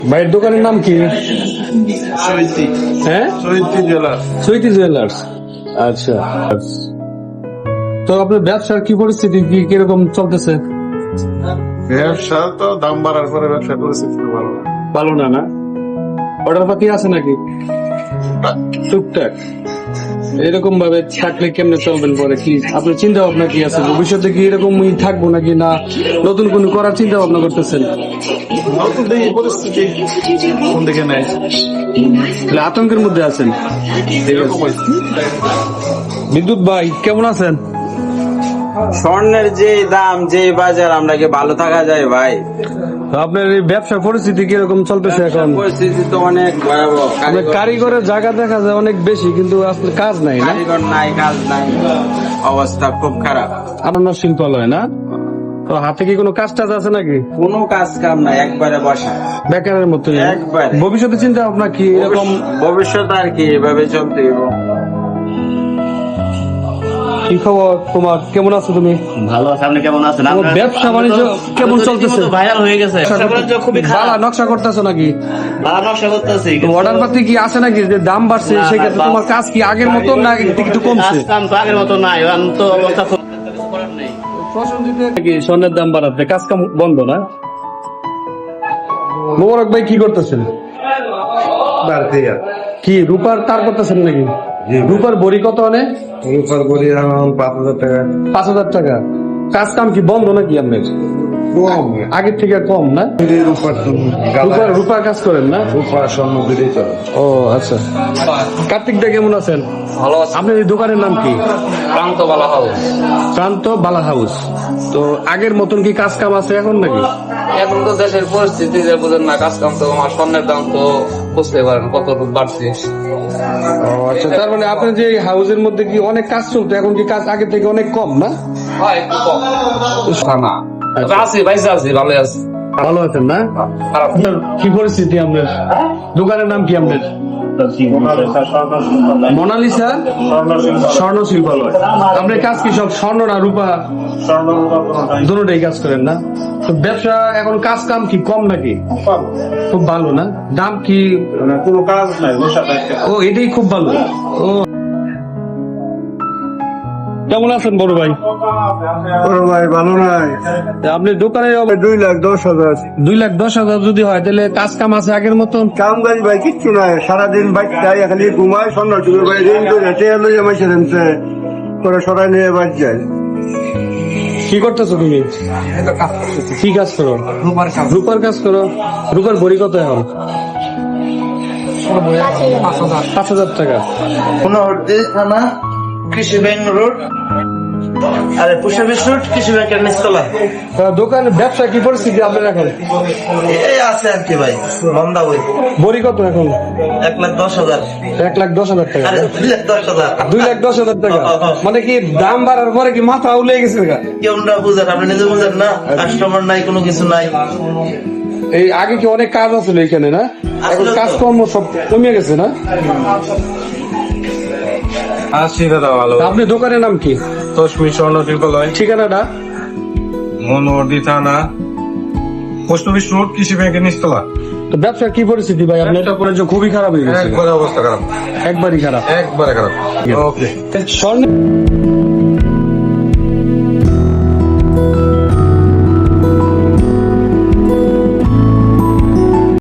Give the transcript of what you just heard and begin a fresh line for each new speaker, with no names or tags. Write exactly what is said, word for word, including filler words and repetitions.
ভাইয়ের দোকানের নাম কি? হ্যাঁ, সুইটি জুয়েলার্স। আচ্ছা, তো আপনার ব্যবসার কি পরিস্থিতি, কি কিরকম চলতেছে?
ব্যবসা তো দাম বাড়ার পরে ব্যবসা পরিস্থিতি ভালো না।
ভালো না না? অর্ডার পাতি আছে নাকি? টুকটাক। এরকম ভাবে থাকলে কেমনে চলবেন পরে? কি আপনার চিন্তা ভাবনা কি আছে? ভবিষ্যতে কি এরকমই থাকবো নাকি না নতুন কোনো করার চিন্তা ভাবনা করতেছেন?
নতুন দেখি পরিস্থিতি কোন দিকে নেয়,
তাহলে আতঙ্কের মধ্যে আছেন। ঠিক আছে। বিদ্যুৎ ভাই কেমন আছেন?
স্বর্ণের যে দাম, যে বাজার, আমরা কি ভালো থাকা যায় ভাই?
তো আপনার এই ব্যবসার পরিস্থিতি কিরকম চলতেছে এখন?
পরিস্থিতি তো অনেক ভয়াবহ।
আপনার কারিগরের জায়গা দেখা যায় অনেক বেশি, কিন্তু আসলে কাজ নাই না?
কারিগর নাই, কাজ নাই, অবস্থা খুব খারাপ।
আপনার শিল্পালয় না? তো হাতে কি কোনো কাজ টাজ আছে নাকি?
কোনো কাজ কাম নাই, একবারে বসা
বেকারের মতো।
একবারে।
ভবিষ্যতে চিন্তা ভাবনা কি এরকম?
ভবিষ্যৎ আর কি এভাবে চলতে হবে।
কি খবর তোমার? কেমন আছো তুমি?
ভালো আছে, আপনি কেমন আছেন?
তোমার ব্যবসা বাণিজ্য কেমন চলতেছে?
ভাইরাল হয়ে গেছে, ব্যবসা বাণিজ্য খুবই
বালা
খারাপ।
নকশা করতেছো নাকি?
ভালো নকশা করতেছি,
অর্ডার পাতি কি আছে নাকি? যে দাম বাড়ছে
না,
সেক্ষেত্রে
না,
তোমার কাজ কি আগের মতো না একটু কমছে?
কাম তো আগের মতো নাই, এখন তো অবস্থা খুব করার নেই।
নাকি স্বর্ণের দাম বাড়াতে কাজ কাম বন্ধ না? মোবারক ভাই কি করতেছেন? কি রূপার তার করতেছেন নাকি? রূপার বড়ি কত আনে?
রূপার বলি এখন পাঁচ হাজার টাকা।
পাঁচ হাজার টাকা। কাজ কাম কি বন্ধ নাকি আপনার?
কম
আগের থেকে কম না?
রূপার
রূপার রূপার কাজ করেন না?
রূপার স্বর্ণ দিলেই চলে।
ও আচ্ছা। কার্তিক দা কেমন আছেন?
ভালো আছে।
আপনার এই দোকানের নাম কি?
প্রান্ত বলা হাউস।
প্রান্ত বালা হাউস। তো আগের মতন কি কাজ কাম আছে এখন নাকি?
এখন তো দেশের পরিস্থিতি যে বুঝেন না, কাজ কাম তো আমার স্বর্ণের দাম তো বুঝতে পারেন কত বাড়ছে।
ও আচ্ছা, তার মানে আপনার যে হাউসের মধ্যে কি অনেক কাজ চলতো, এখন কি কাজ আগের থেকে অনেক কম না?
হয় একটু কম না, তবে আছি ভাইসা আছি, ভালো আছি।
ভালো আছেন না?
খারাপ
আপনার কি পরিস্থিতি? আপনার দোকানের নাম কি? আপনার মোনালিসা স্বর্ণ শিল্পালয়। আপনার কাজ কি সব স্বর্ণ না রূপা? দুটোটাই কাজ করেন না? তো ব্যবসা এখন কাজ কাম কি কম নাকি? খুব ভালো না? দাম কি?
কোনো কাজ নাই, বসা থাকে।
ও এটাই খুব ভালো। ও কেমন আছেন বড় ভাই?
ভাই ভালো নাই।
আপনি দোকানে
দুই লাখ দশ হাজার।
দুই লাখ দশ হাজার যদি হয় তাহলে কাজ কাম আছে আগের মতন?
কাম কাজ ভাই কিচ্ছু নাই, সারাদিন বাইরে খালি ঘুমায়। স্বর্ণ চুরি ভাই ঋণ করে হেঁটে এলো মাসে রেনছে করে সরাই নিয়ে বাদ যায়।
কি করতেছো তুমি? কি কাজ করো? রূপার কাজ করো। রূপার বড়ি কত এখন? পাঁচ হাজার টাকা।
পুনর্দি থানা, কৃষি ব্যাংক রোড, আরে পুষ্পবিশ রোড, কৃষি ব্যাংকের নিচতলা।
তা দোকানের ব্যবসা কি পরিস্থিতি আপনার এখন?
এই আছে আর কি ভাই, মন্দা বই।
বড়ি কত এখন?
এক লাখ দশ হাজার।
এক লাখ দশ হাজার টাকা।
আরে দুই লাখ দশ হাজার।
দুই লাখ দশ হাজার টাকা মানে কি দাম বাড়ার পরে কি মাথা উলে গেছে?
কেউ না বুঝেন, আপনি নিজে বুঝেন না, কাস্টমার নাই, কোনো কিছু নাই।
এই আগে কি অনেক কাজ আছিল এখানে না? এখন কাজকর্ম সব কমে গেছে না?
আশি দাদা ভালো।
তা আপনি দোকানের নাম কি?
তসমি স্বর্ণ শিল্পালয়,
ঠিকানাটা?
মনোহরদী থানা, পোস্ট অফিস রোড, কৃষি ব্যাংকের নিচতলা।
তো ব্যবসার কি পরিস্থিতি ভাই? আপনার এটা পরে যে খুবই খারাপ হয়ে গেছে।
একবারে অবস্থা খারাপ,
একবারই খারাপ।
একবারে খারাপ। ওকে।
স্বর্ণ